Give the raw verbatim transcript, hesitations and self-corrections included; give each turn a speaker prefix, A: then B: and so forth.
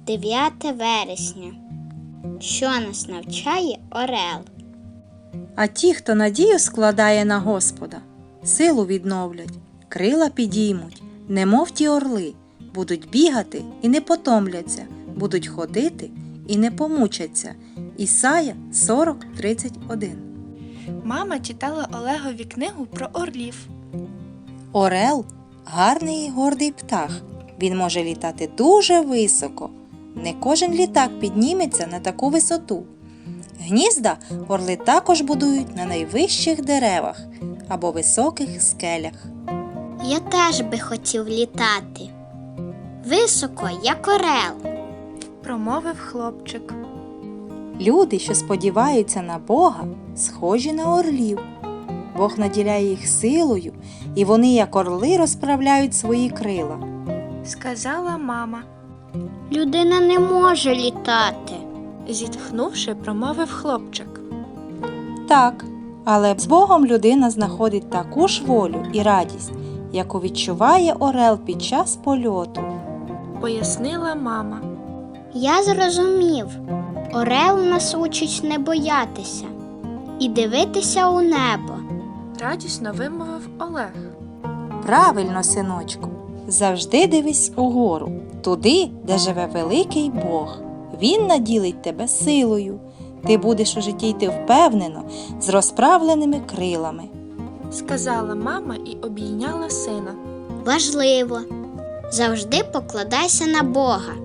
A: дев'яте вересня. Що нас навчає орел?
B: А ті, хто надію складає на Господа, силу відновлять, крила підіймуть, немов ті орли, будуть бігати і не потомляться, будуть ходити і не помучаться. Ісая сорок тридцять один.
C: Мама читала Олегові книгу про орлів.
B: Орел – гарний і гордий птах. Він може літати дуже високо. Не кожен літак підніметься на таку висоту. Гнізда орли також будують на найвищих деревах або високих скелях.
A: Я теж би хотів літати. Високо, як орел.
C: Промовив хлопчик.
B: Люди, що сподіваються на Бога, схожі на орлів. Бог наділяє їх силою, і вони, як орли, розправляють свої крила.
C: Сказала мама.
A: Людина не може літати.
C: Зітхнувши, промовив хлопчик.
B: Так, але з Богом людина знаходить таку ж волю і радість, яку відчуває орел під час польоту.
C: Пояснила мама.
A: Я зрозумів. Орел нас учить не боятися і дивитися у небо.
C: Радісно вимовив Олег.
B: Правильно, синочку, завжди дивись угору, туди, де живе великий Бог. Він наділить тебе силою. Ти будеш у житті йти впевнено, з розправленими крилами.
C: Сказала мама і обійняла сина.
A: Важливо. Завжди покладайся на Бога.